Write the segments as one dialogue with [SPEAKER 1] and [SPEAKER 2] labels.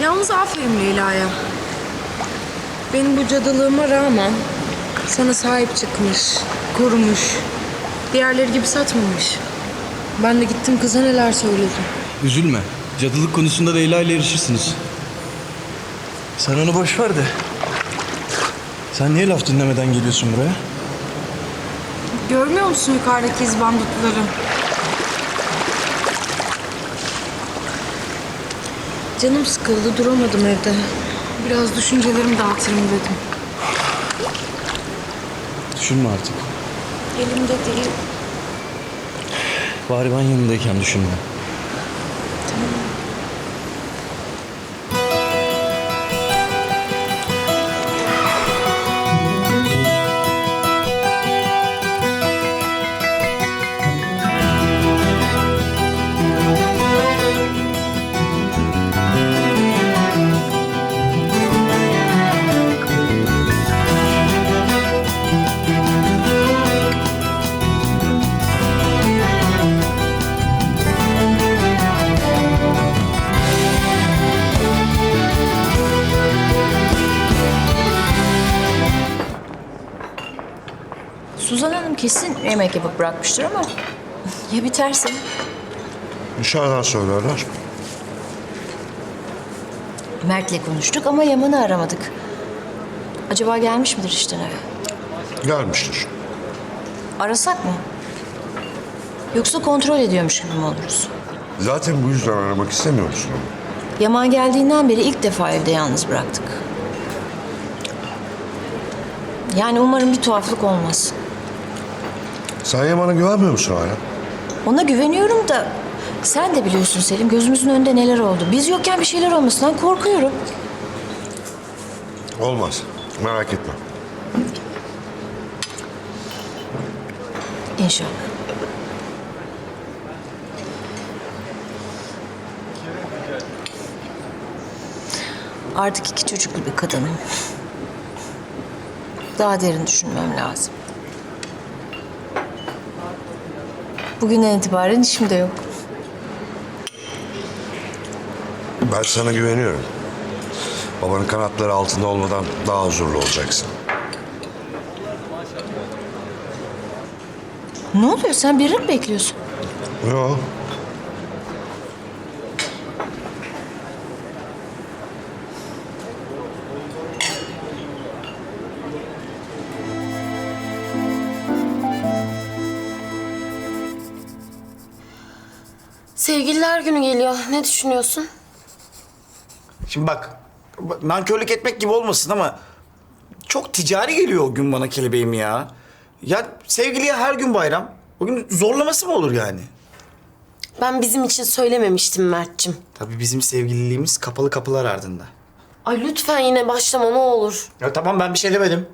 [SPEAKER 1] Yalnız aferin Leyla'ya. Benim bu cadılığıma rağmen sana sahip çıkmış, korumuş. Diğerleri gibi satmamış. Ben de gittim kıza neler söyledim.
[SPEAKER 2] Üzülme. Cadılık konusunda Leyla ile yarışırsınız. Sen onu boş ver de. Sen niye laf dinlemeden geliyorsun buraya?
[SPEAKER 1] Görmüyor musun yukarıdaki izbandutları? Canım sıkıldı, duramadım evde. Biraz düşüncelerimi dağıtırım dedim.
[SPEAKER 2] Düşünme artık.
[SPEAKER 1] Elimde değil.
[SPEAKER 2] Bari ben yanındayken düşünme.
[SPEAKER 3] Suzan Hanım kesin yemek yapıp bırakmıştır ama ya biterse?
[SPEAKER 4] Dışarıdan söylerler.
[SPEAKER 3] Mert'le konuştuk ama Yaman'ı aramadık. Acaba gelmiş midir işten eve?
[SPEAKER 4] Gelmiştir.
[SPEAKER 3] Arasak mı? Yoksa kontrol ediyormuş gibi mi oluruz?
[SPEAKER 4] Zaten bu yüzden aramak istemiyor musun onu?
[SPEAKER 3] Yaman geldiğinden beri ilk defa evde yalnız bıraktık. Yani umarım bir tuhaflık olmaz.
[SPEAKER 4] Sen Yaman'a güvenmiyor musun hala?
[SPEAKER 3] Ona güveniyorum da sen de biliyorsun Selim, gözümüzün önünde neler oldu. Biz yokken bir şeyler olmasından korkuyorum.
[SPEAKER 4] Olmaz. Merak etme.
[SPEAKER 3] İnşallah. Artık 2 çocuklu bir kadınım. Daha derin düşünmem lazım. Bugünden itibaren işim de yok.
[SPEAKER 4] Ben sana güveniyorum. Babanın kanatları altında olmadan daha huzurlu olacaksın.
[SPEAKER 3] Ne oluyor? Sen birini mi bekliyorsun?
[SPEAKER 4] Yok.
[SPEAKER 5] Sevgililer günü geliyor. Ne düşünüyorsun?
[SPEAKER 6] Şimdi bak, nankörlük etmek gibi olmasın ama çok ticari geliyor o gün bana kelebeğim ya. Ya sevgiliye her gün bayram. O gün zorlaması mı olur yani?
[SPEAKER 5] Ben bizim için söylememiştim Mert'cim.
[SPEAKER 6] Tabii bizim sevgililiğimiz kapalı kapılar ardında.
[SPEAKER 5] Ay lütfen yine başlama ne olur.
[SPEAKER 6] Ya tamam, ben bir şey demedim.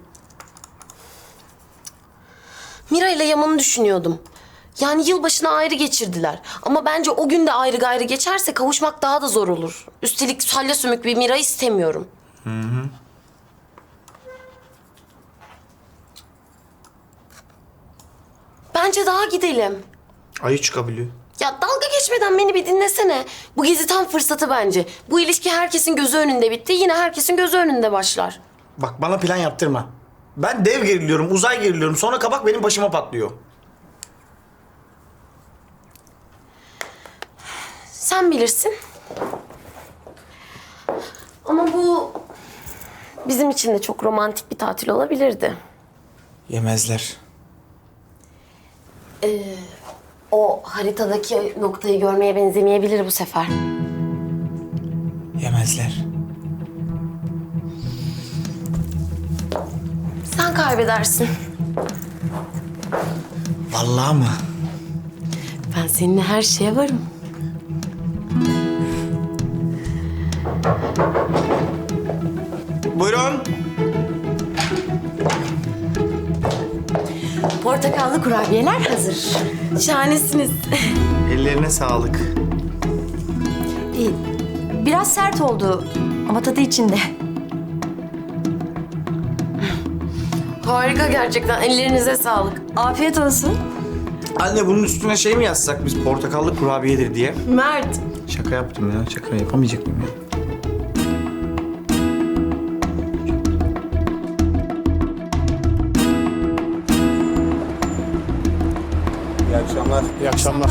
[SPEAKER 5] Mira ile Yaman'ı düşünüyordum. Yani yılbaşını ayrı geçirdiler. Ama bence o gün de ayrı gayrı geçerse kavuşmak daha da zor olur. Üstelik salya sümük bir Mira istemiyorum. Bence daha gidelim.
[SPEAKER 6] Ayı çıkabiliyor.
[SPEAKER 5] Ya dalga geçmeden beni bir dinlesene. Bu gezi tam fırsatı bence. Bu ilişki herkesin gözü önünde bitti. Yine herkesin gözü önünde başlar.
[SPEAKER 6] Bak bana plan yaptırma. Ben dev geriliyorum, uzay geriliyorum. Sonra kabak benim başıma patlıyor.
[SPEAKER 5] Sen bilirsin. Ama bu bizim için de çok romantik bir tatil olabilirdi.
[SPEAKER 6] Yemezler.
[SPEAKER 5] O haritadaki noktayı görmeye benzemeyebilir bu sefer.
[SPEAKER 6] Yemezler.
[SPEAKER 5] Sen kaybedersin.
[SPEAKER 6] Vallahi mı?
[SPEAKER 5] Ben seninle her şeye varım.
[SPEAKER 6] Buyurun.
[SPEAKER 3] Portakallı kurabiyeler hazır.
[SPEAKER 5] Şahanesiniz.
[SPEAKER 6] Ellerine sağlık.
[SPEAKER 3] Biraz sert oldu ama tadı içinde.
[SPEAKER 5] Harika gerçekten. Ellerinize sağlık.
[SPEAKER 3] Afiyet olsun.
[SPEAKER 6] Anne bunun üstüne şey mi yazsak biz, portakallı kurabiyedir diye?
[SPEAKER 5] Mert.
[SPEAKER 6] Şaka yaptım ya. Şaka yapamayacak mıyım ya? akşamlar. İyi akşamlar.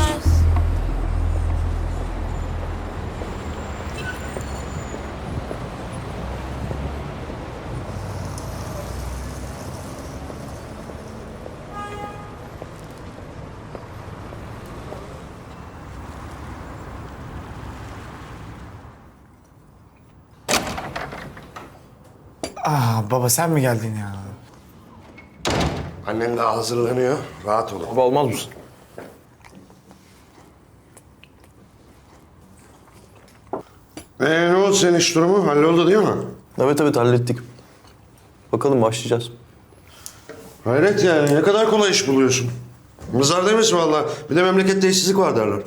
[SPEAKER 6] Baba sen mi geldin ya?
[SPEAKER 4] Annen daha hazırlanıyor. Rahat olun.
[SPEAKER 2] Baba olmaz mısın?
[SPEAKER 4] Ne oldu senin iş durumu? Halloldu değil mi?
[SPEAKER 2] Evet hallettik. Bakalım başlayacağız.
[SPEAKER 4] Hayret yani. Ne kadar kolay iş buluyorsun. Mızar demiş valla. Bir de memlekette işsizlik var derler.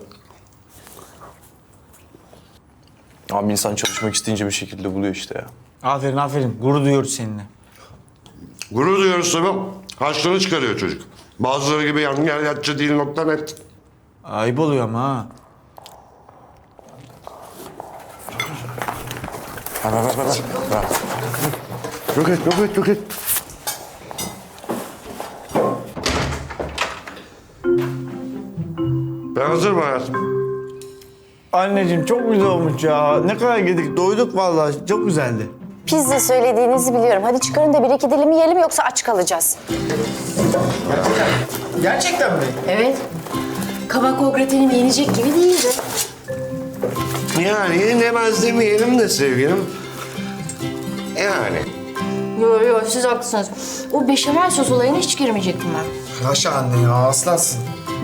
[SPEAKER 2] Abi insan çalışmak isteyince bir şekilde buluyor işte ya.
[SPEAKER 6] Aferin. Gurur duyuyoruz seninle.
[SPEAKER 4] Gurur duyuyoruz tabii. Harçlığını çıkarıyor çocuk. Bazıları gibi yan yer yatçı değil nokta net.
[SPEAKER 6] Ayıp oluyor ama ha.
[SPEAKER 4] Ver. Yok et. Ben hazırım hayatım.
[SPEAKER 6] Anneciğim çok güzel olmuş ya. Ne kadar yedik. Doyduk vallahi. Çok güzeldi.
[SPEAKER 7] Pizza söylediğinizi biliyorum. Hadi çıkarın da bir iki dilim yiyelim yoksa aç kalacağız.
[SPEAKER 6] Gerçekten mi?
[SPEAKER 3] Evet. Kabak o gratenim yenecek gibi değildi.
[SPEAKER 4] Yani yenemez demeyelim de sevgilim. Yani.
[SPEAKER 3] Yo siz haklısınız. O beşamel sos olayına hiç girmeyecektim ben.
[SPEAKER 6] Yaşa anne ya aslansın.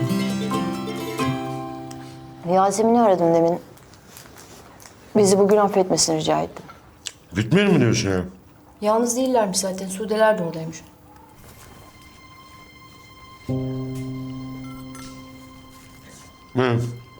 [SPEAKER 7] Yasemin'i aradım demin. Bizi bugün affetmesini rica ettim.
[SPEAKER 4] Gitmeyelim mi diyorsun ya?
[SPEAKER 3] Yalnız değillermiş zaten. Sudeler de oradaymış.
[SPEAKER 4] Hı.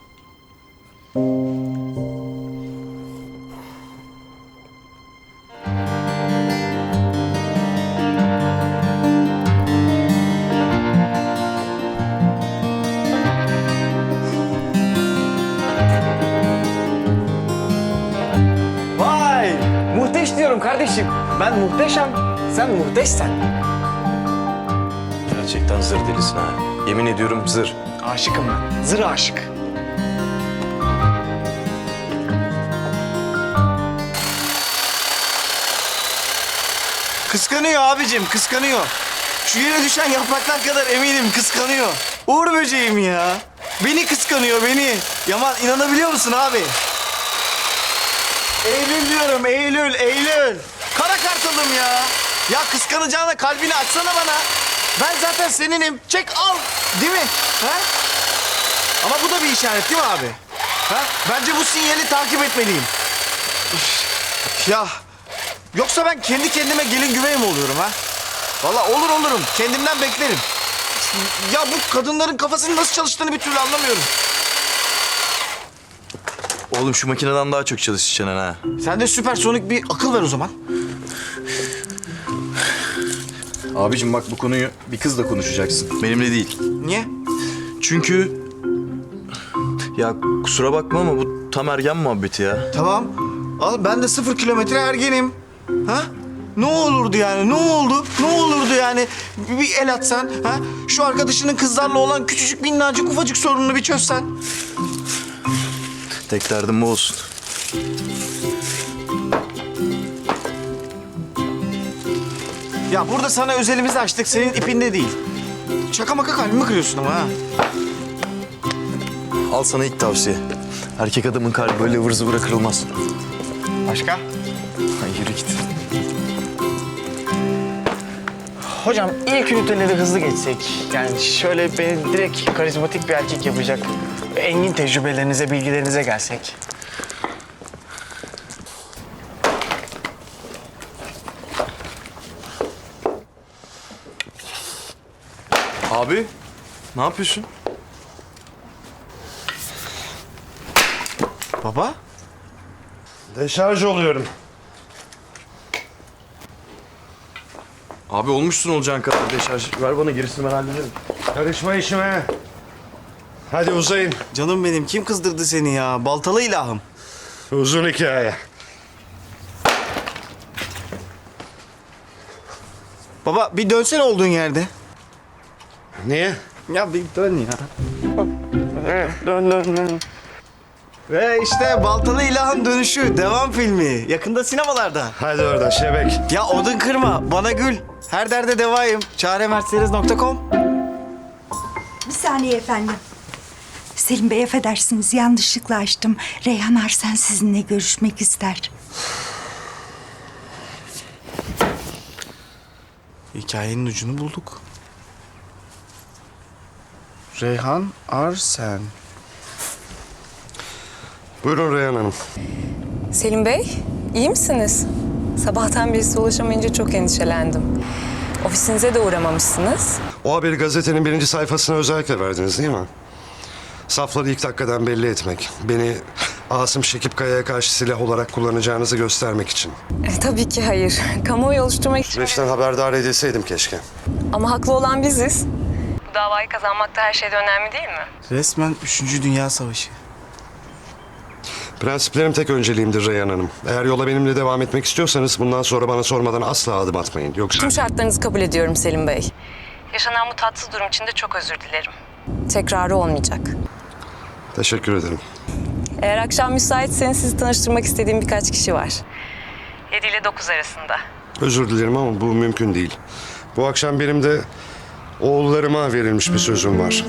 [SPEAKER 6] Vay! Muhteş diyorum kardeşim. Ben muhteşem. Sen muhteşsen.
[SPEAKER 2] Gerçekten zır delisin ha. Yemin ediyorum zır.
[SPEAKER 6] Aşıkım ben. Zır aşık. Kıskanıyor abicim, kıskanıyor. Şu yere düşen yapraklar kadar eminim kıskanıyor. Uğur böceğim ya. Beni kıskanıyor, beni. Yaman inanabiliyor musun abi? Eylül diyorum, Eylül. Kara kartalım ya. Ya kıskanacağına kalbini açsana bana. Ben zaten seninim. Çek al. Değil mi? Ha? Ama bu da bir işaret değil mi abi? Ha? Bence bu sinyali takip etmeliyim. Üf. Ya yoksa ben kendi kendime gelin güvey mi oluyorum ha? Vallahi olurum. Kendimden beklerim. Ya bu kadınların kafasının nasıl çalıştığını bir türlü anlamıyorum.
[SPEAKER 2] Oğlum şu makineden daha çok çalışacaksın ha.
[SPEAKER 6] Sen de süpersonik bir akıl ver o zaman.
[SPEAKER 2] Abicim bak bu konuyu bir kızla konuşacaksın. Benimle değil.
[SPEAKER 6] Niye?
[SPEAKER 2] Çünkü... Ya kusura bakma ama bu tam ergen muhabbeti ya.
[SPEAKER 6] Tamam. Al ben de 0 kilometre ergenim. Ha? Ne olurdu yani? Ne oldu? Ne olurdu yani? Bir el atsan, ha? Şu arkadaşının kızlarla olan küçücük minnacık ufacık sorununu bir çözsen.
[SPEAKER 2] Tek derdim bu olsun.
[SPEAKER 6] Ya burada sana özelimizi açtık, senin ipinde değil. Şaka maka kalbimi kırıyorsun ama ha.
[SPEAKER 2] Al sana ilk tavsiye. Erkek adamın kalbi böyle ıvır zıvıra kırılmaz.
[SPEAKER 6] Başka?
[SPEAKER 2] Ha, yürü git.
[SPEAKER 8] Hocam ilk üniteleri hızlı geçsek. Yani şöyle beni direkt karizmatik bir erkek yapacak. Engin tecrübelerinize, bilgilerinize gelsek.
[SPEAKER 2] Abi ne yapıyorsun?
[SPEAKER 6] Baba?
[SPEAKER 4] Deşarj oluyorum.
[SPEAKER 2] Abi olmuşsun olacağın kadar deşarj. Ver bana gerisini ben hallederim.
[SPEAKER 4] Karışma işime. Hadi uzayın.
[SPEAKER 6] Canım benim, kim kızdırdı seni ya? Baltalı ilahım.
[SPEAKER 4] Uzun hikaye.
[SPEAKER 6] Baba bir dönsene olduğun yerde.
[SPEAKER 4] Niye?
[SPEAKER 6] Ya bir dön ya. Dön. Ve işte Baltalı İlah'ın Dönüşü devam filmi. Yakında sinemalarda.
[SPEAKER 4] Hadi oradan şebek.
[SPEAKER 6] Ya odun kırma, bana gül. Her derde devayım. Çaremercedes.com.
[SPEAKER 9] Bir saniye efendim. Selim Bey affedersiniz yanlışlıkla açtım. Reyhan Arsen sizinle görüşmek ister.
[SPEAKER 6] Hikayenin ucunu bulduk. Reyhan Arsen.
[SPEAKER 4] Buyurun Reyhan Hanım.
[SPEAKER 10] Selim Bey, iyi misiniz? Sabahtan beri size ulaşamayınca çok endişelendim. Ofisinize de uğramamışsınız.
[SPEAKER 4] O haberi gazetenin 1. sayfasına özellikle verdiniz değil mi? Safları ilk dakikadan belli etmek. Beni Asım Şekip Kaya'ya karşı silah olarak kullanacağınızı göstermek için.
[SPEAKER 10] Tabii ki hayır. Kamuoyu oluşturmak için.
[SPEAKER 4] Süreçten haberdar edilseydim keşke.
[SPEAKER 10] Ama haklı olan biziz. Bu davayı kazanmak da her şeyden önemli değil mi?
[SPEAKER 6] Resmen 3. Dünya Savaşı.
[SPEAKER 4] Prensiplerim tek önceliğimdir Reyhan Hanım. Eğer yola benimle devam etmek istiyorsanız bundan sonra bana sormadan asla adım atmayın. Yoksa...
[SPEAKER 10] Tüm şartlarınızı kabul ediyorum Selim Bey. Yaşanan bu tatsız durum için de çok özür dilerim. Tekrarı olmayacak.
[SPEAKER 4] Teşekkür ederim.
[SPEAKER 10] Eğer akşam müsaitseniz sizi tanıştırmak istediğim birkaç kişi var. 7 ile 9 arasında.
[SPEAKER 4] Özür dilerim ama bu mümkün değil. Bu akşam benim de oğullarıma verilmiş bir sözüm var.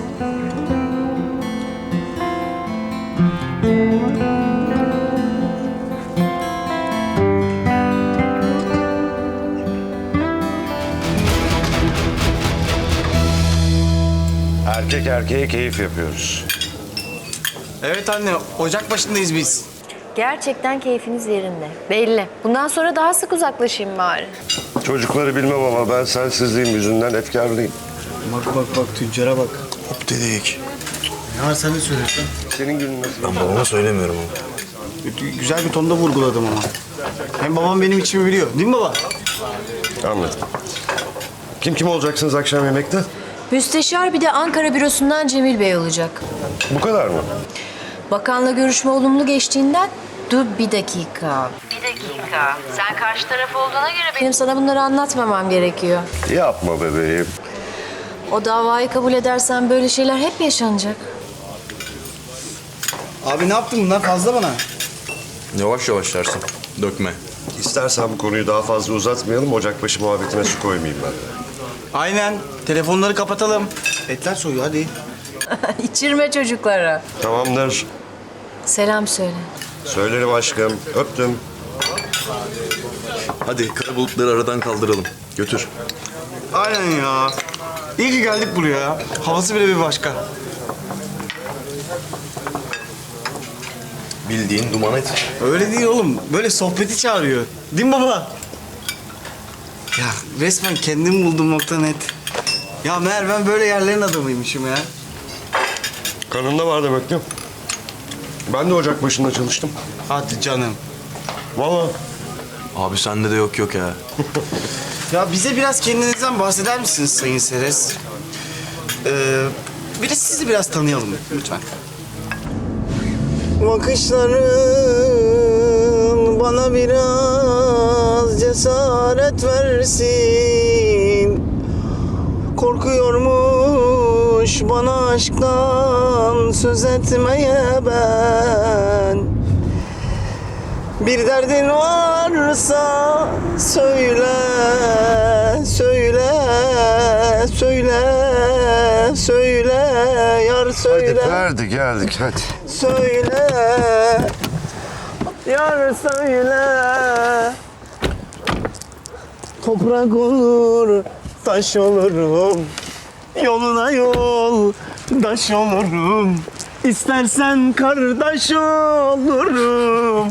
[SPEAKER 4] Erkek erkeğe keyif yapıyoruz.
[SPEAKER 6] Evet anne, ocak başındayız biz.
[SPEAKER 7] Gerçekten keyfiniz yerinde. Belli. Bundan sonra daha sık uzaklaşayım bari.
[SPEAKER 4] Çocukları bilmem ama ben sensizliğim yüzünden efkarlıyım.
[SPEAKER 6] Bak tüccara bak.
[SPEAKER 2] Hop dedik.
[SPEAKER 6] Ne var sen de söylüyorsun?
[SPEAKER 4] Senin günün nasıl?
[SPEAKER 2] Ben babama söylemiyorum ama.
[SPEAKER 6] Güzel bir tonda vurguladım ama. Hem babam benim içimi biliyor. Değil mi baba?
[SPEAKER 4] Anladım. Kim olacaksınız akşam yemekte?
[SPEAKER 3] Müsteşar bir de Ankara bürosundan Cemil Bey olacak.
[SPEAKER 4] Bu kadar mı?
[SPEAKER 3] Bakanla görüşme olumlu geçtiğinden... Dur bir dakika. Sen karşı taraf olduğuna göre benim sana bunları anlatmamam gerekiyor.
[SPEAKER 4] Yapma bebeğim.
[SPEAKER 3] O davayı kabul edersen böyle şeyler hep yaşanacak.
[SPEAKER 6] Abi ne yaptın bunlar fazla bana?
[SPEAKER 2] Yavaş yavaş dersin. Dökme.
[SPEAKER 4] İstersen bu konuyu daha fazla uzatmayalım. Ocakbaşı muhabbetine su koymayayım ben.
[SPEAKER 6] Aynen. Telefonları kapatalım. Etler soğuyor hadi.
[SPEAKER 3] İçirme çocuklara.
[SPEAKER 4] Tamamdır.
[SPEAKER 3] Selam söyle.
[SPEAKER 4] Söylerim aşkım. Öptüm.
[SPEAKER 2] Hadi kara bulutları aradan kaldıralım. Götür.
[SPEAKER 6] Aynen ya. İyi ki geldik buraya. Havası bile bir başka.
[SPEAKER 2] Bildiğin duman et.
[SPEAKER 6] Öyle değil oğlum. Böyle sohbeti çağırıyor. Değil mi baba? Ya resmen kendimi buldum nokta net. Ya meğer ben böyle yerlerin adamıymışım ya.
[SPEAKER 4] Kanımda var demek ki. Ben de ocak başında çalıştım.
[SPEAKER 6] Hadi canım.
[SPEAKER 4] Vallahi.
[SPEAKER 2] Abi sende de yok ya.
[SPEAKER 6] Ya bize biraz kendinizden bahseder misiniz Sayın Seres? Bir de sizi biraz tanıyalım lütfen. Bakışların bana biraz cesaret versin. Korkuyormuş bana aşktan söz etmeye ben. Bir derdin varsa söyle, söyle, söyle, söyle, yar söyle.
[SPEAKER 4] Hadi verdi geldik hadi.
[SPEAKER 6] Söyle, yar söyle. Toprak olur, taş olurum. Yoluna yol, taş olurum. İstersen kardeş olurum.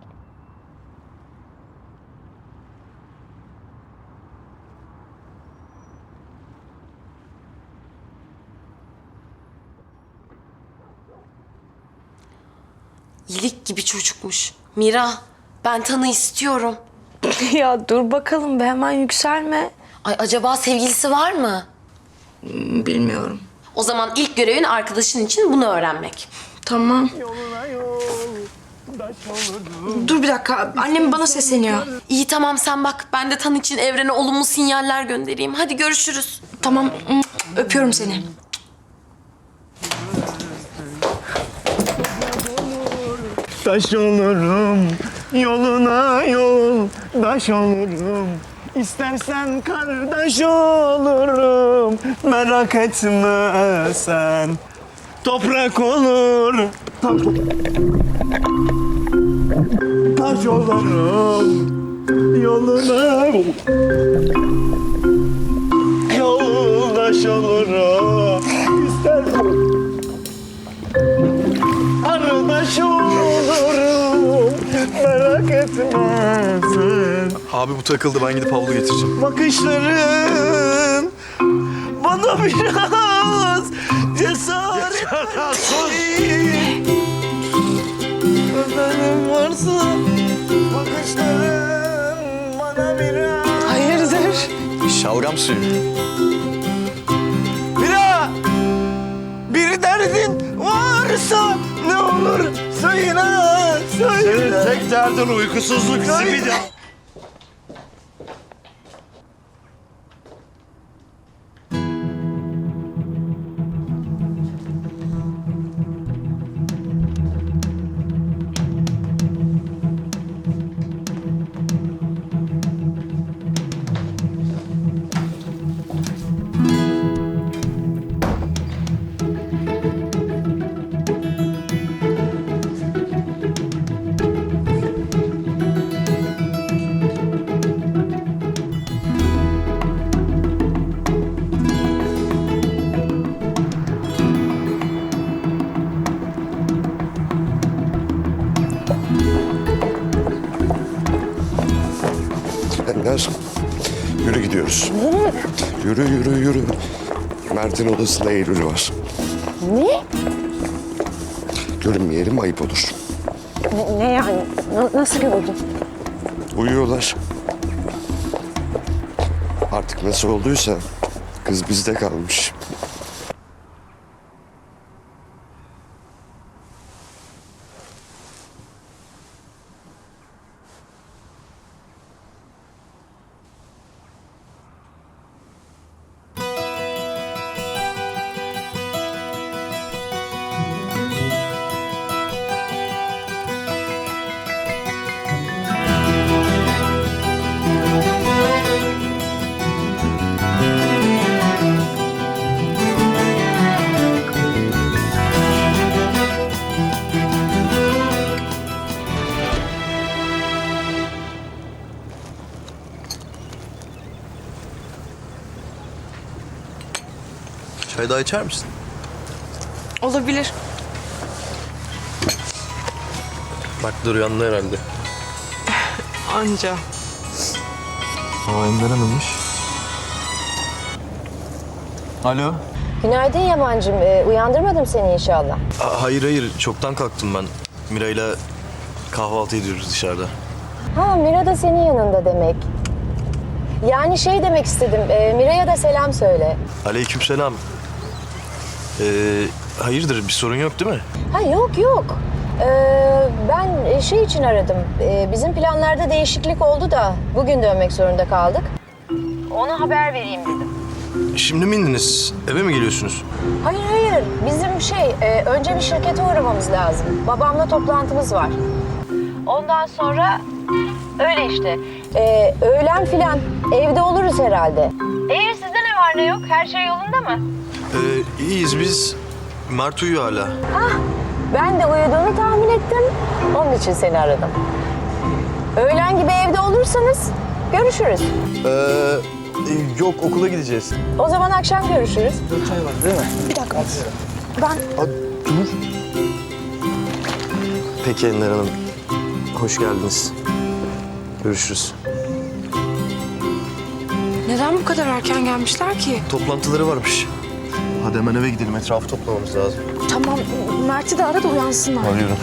[SPEAKER 5] İyilik gibi çocukmuş. Mira, ben Tan'ı istiyorum.
[SPEAKER 7] Ya dur bakalım be hemen yükselme.
[SPEAKER 5] Ay acaba sevgilisi var mı?
[SPEAKER 1] Bilmiyorum.
[SPEAKER 5] O zaman ilk görevin arkadaşın için bunu öğrenmek.
[SPEAKER 1] Tamam. Dur bir dakika. Annem bana sesleniyor.
[SPEAKER 5] İyi tamam sen bak. Ben de Tan için evrene olumlu sinyaller göndereyim. Hadi görüşürüz.
[SPEAKER 1] Tamam. Öpüyorum seni.
[SPEAKER 8] Taş olurum, yoluna yoldaş olurum. İstersen kardeş olurum, merak etme sen. Toprak olur, taş olurum, yoluna yoldaş olurum. İstersen arkadaş olurum, merak etmezsin.
[SPEAKER 2] Abi bu takıldı, ben gidip havlu getireceğim.
[SPEAKER 8] Bakışların bana biraz cesaret Gözlerim varsa bakışların bana biraz...
[SPEAKER 10] Hayırdır?
[SPEAKER 2] Şalgam suyu.
[SPEAKER 8] Bir derdin varsa ne olur söyle, söyle.
[SPEAKER 2] Senin tek derdin uykusuzluk zibidi.
[SPEAKER 4] Ender, yürü gidiyoruz. Yürü, yürü, yürü. Mert'in odasında Eylül var.
[SPEAKER 7] Ne?
[SPEAKER 4] Görünmeyelim, ayıp olur.
[SPEAKER 7] Ne yani? Nasıl gördün?
[SPEAKER 4] Uyuyorlar. Artık nasıl olduysa kız bizde kalmış.
[SPEAKER 2] Çay daha içer misin?
[SPEAKER 10] Olabilir.
[SPEAKER 2] Bak dur uyandı herhalde.
[SPEAKER 10] Anca.
[SPEAKER 2] Aa Ender Hanım'mış. Alo.
[SPEAKER 3] Günaydın Yaman'cığım. Uyandırmadım seni inşallah.
[SPEAKER 2] Hayır hayır, çoktan kalktım ben. Mira'yla kahvaltı ediyoruz dışarıda.
[SPEAKER 3] Ha, Mira da senin yanında demek. Yani şey demek istedim. Mira'ya da selam söyle.
[SPEAKER 2] Aleykümselam. Hayırdır, bir sorun yok değil mi?
[SPEAKER 3] Ha yok yok. Ben şey için aradım. Bizim planlarda değişiklik oldu da bugün dönmek zorunda kaldık. Ona haber vereyim dedim.
[SPEAKER 2] Şimdi mi indiniz? Eve mi geliyorsunuz?
[SPEAKER 3] Hayır hayır. Bizim önce bir şirkete uğramamız lazım. Babamla toplantımız var. Ondan sonra öyle işte. Öğlen filan evde oluruz herhalde. Sizde ne var ne yok? Her şey yolunda mı?
[SPEAKER 2] İyiyiz biz. Mert uyuyor hala.
[SPEAKER 3] Ben de uyuduğunu tahmin ettim. Onun için seni aradım. Öğlen gibi evde olursanız görüşürüz.
[SPEAKER 2] Yok, okula gideceğiz.
[SPEAKER 3] O zaman akşam görüşürüz.
[SPEAKER 2] Peki Ender Hanım. Hoş geldiniz. Görüşürüz.
[SPEAKER 10] Neden bu kadar erken gelmişler ki?
[SPEAKER 2] Toplantıları varmış. Hadi hemen eve gidelim. Etrafı toplamamız lazım.
[SPEAKER 10] Tamam, Mert'i de ara da uyansınlar.
[SPEAKER 2] Arıyorum.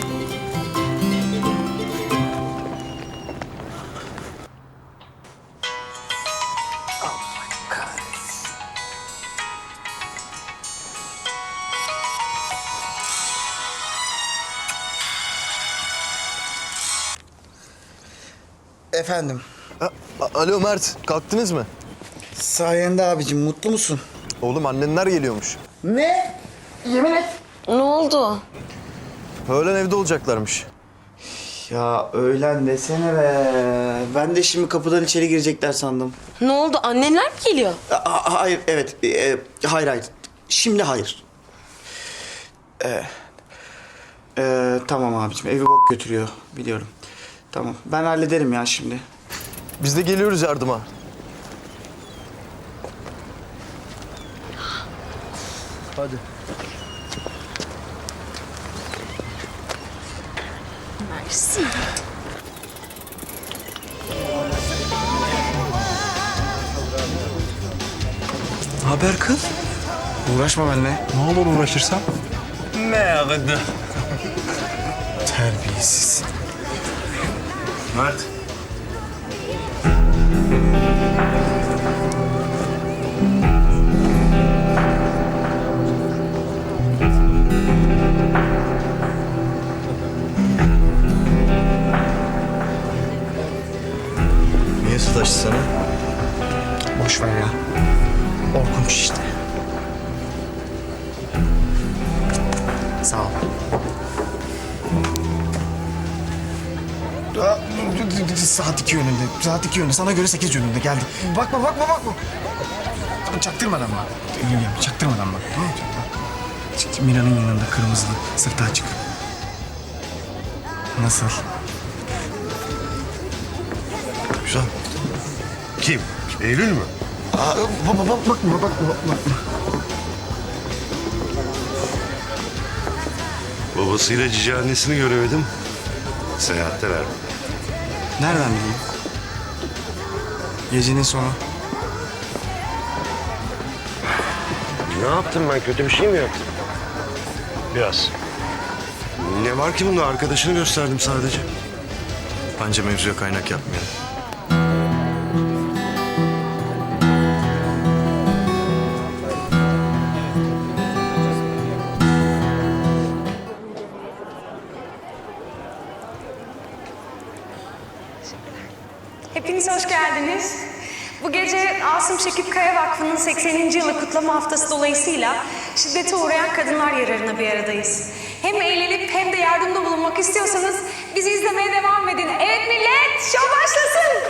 [SPEAKER 6] Efendim,
[SPEAKER 2] Alo Mert, kalktınız mı?
[SPEAKER 6] sayende abicim mutlu musun?
[SPEAKER 2] Oğlum annenler geliyormuş.
[SPEAKER 6] Ne? Yemin et.
[SPEAKER 5] Ne oldu?
[SPEAKER 2] Öğlen evde olacaklarmış.
[SPEAKER 6] Ya öğlen desene be. Ben de şimdi kapıdan içeri girecekler sandım.
[SPEAKER 5] Ne oldu? Annenler mi geliyor?
[SPEAKER 6] Hayır, evet. Hayır. Şimdi hayır. Tamam abicim, evi bok götürüyor. Biliyorum. Tamam, ben hallederim ya şimdi.
[SPEAKER 2] Biz de geliyoruz yardıma. Hadi. Haber kız?
[SPEAKER 6] Uğraşma benimle.
[SPEAKER 2] Ne olur uğraşırsam?
[SPEAKER 6] Ne yaptı? Terbiyesiz.
[SPEAKER 2] Mert. Niye sataştı sana?
[SPEAKER 6] Boş ver ya. Korkunç işte. Sağ ol. Saat 2 yönünde. Saat 2 yönünde. Sana göre 8 yönünde geldi. Bakma. Çaktırmadan bak. Çaktırmadan bak. Tamam mı? Mira'nın yanında kırmızılı. Sırtı açık. Nasıl?
[SPEAKER 4] Güzel. Kim? Eylül mü?
[SPEAKER 6] Bakma.
[SPEAKER 4] Babasıyla cici annesini göremedim. Seyahatteler.
[SPEAKER 6] Nereden bileyim? Gecenin sonu.
[SPEAKER 4] Ne yaptım ben? Kötü bir şey mi yaptım?
[SPEAKER 2] Biraz.
[SPEAKER 4] Ne var ki bunda? Arkadaşını gösterdim sadece.
[SPEAKER 2] Bence mevzuya kaynak yapmayalım.
[SPEAKER 11] Hepiniz hoş geldiniz. Bu gece Asım Şekip Kaya Vakfı'nın 80. yılı kutlama haftası dolayısıyla şiddete uğrayan kadınlar yararına bir aradayız. Hem eğlenip hem de yardımda bulunmak istiyorsanız bizi izlemeye devam edin. Evet millet, şov başlasın.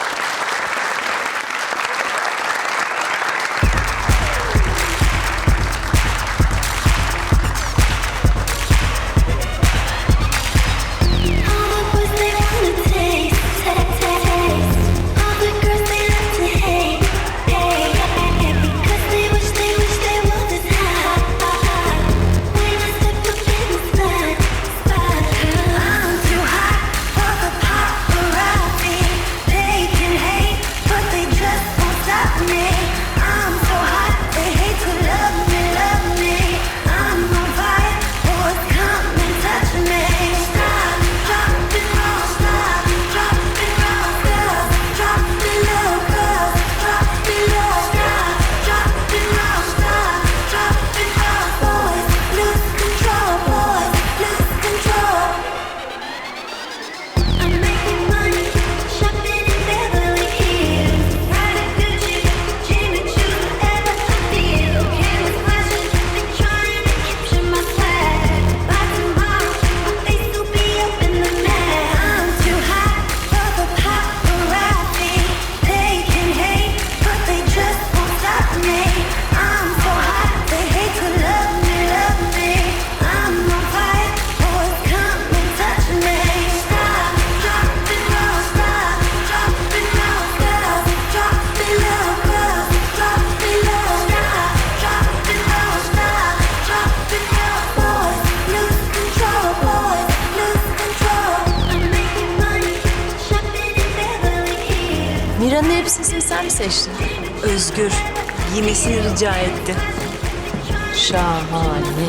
[SPEAKER 5] Mira'nın elbisesini sen mi seçtin?
[SPEAKER 10] Özgür giymesini rica etti.
[SPEAKER 5] Şahane.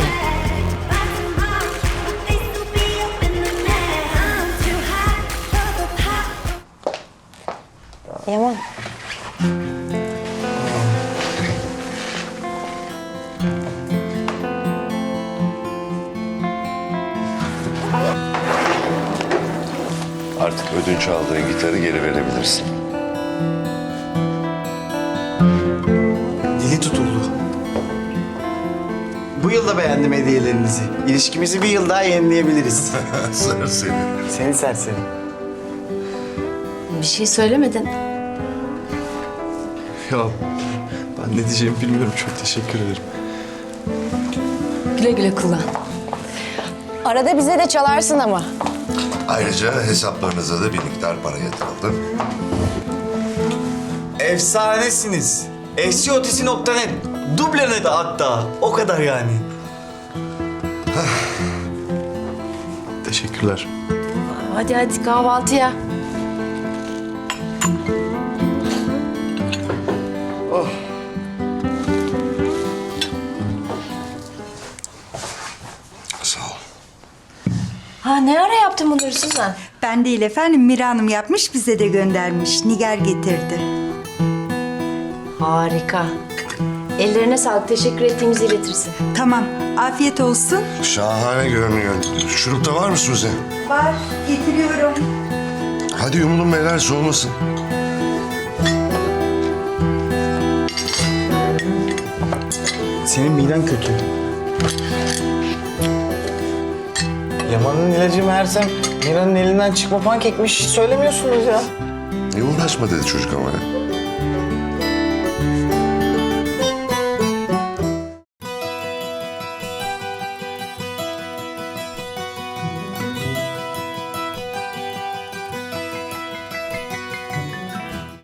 [SPEAKER 7] Yaman.
[SPEAKER 4] Artık ödünç aldığın gitarı geri verebilirsin.
[SPEAKER 6] Dili tutuldu. Bu yıl da beğendim hediyelerinizi. İlişkimizi bir yıl daha yenileyebiliriz.
[SPEAKER 4] Sır seni.
[SPEAKER 6] Seni serseri.
[SPEAKER 5] Bir şey söylemedin.
[SPEAKER 2] Ya ben ne diyeceğimi bilmiyorum. Çok teşekkür ederim.
[SPEAKER 10] Güle güle kullan.
[SPEAKER 3] Arada bize de çalarsın ama.
[SPEAKER 4] Ayrıca hesaplarınıza da bir miktar para yatırıldı.
[SPEAKER 6] Efsanesiniz. SCOTC.net. Dublene de hatta. O kadar yani.
[SPEAKER 2] Teşekkürler.
[SPEAKER 5] Hadi hadi kahvaltıya.
[SPEAKER 4] Sağ ol.
[SPEAKER 5] Ha ne ara yaptın bunları Suzan?
[SPEAKER 9] Ben değil efendim, Mira Hanım yapmış, bize de göndermiş. Nigar getirdi.
[SPEAKER 5] Harika. Ellerine sağlık. Teşekkür ettiğimizi iletirsin.
[SPEAKER 9] Tamam, afiyet olsun.
[SPEAKER 4] Şahane görünüyor. Şurup da var mı Suzi?
[SPEAKER 9] Var, getiriyorum.
[SPEAKER 4] Hadi yumulun beyler, soğumasın.
[SPEAKER 6] Senin miden kötü. Yaman'ın ilacı meğersem Mira'nın elinden çıkma pankekmiş. Hiç söylemiyorsunuz ya.
[SPEAKER 4] Uğraşma dedi çocuk ama ya.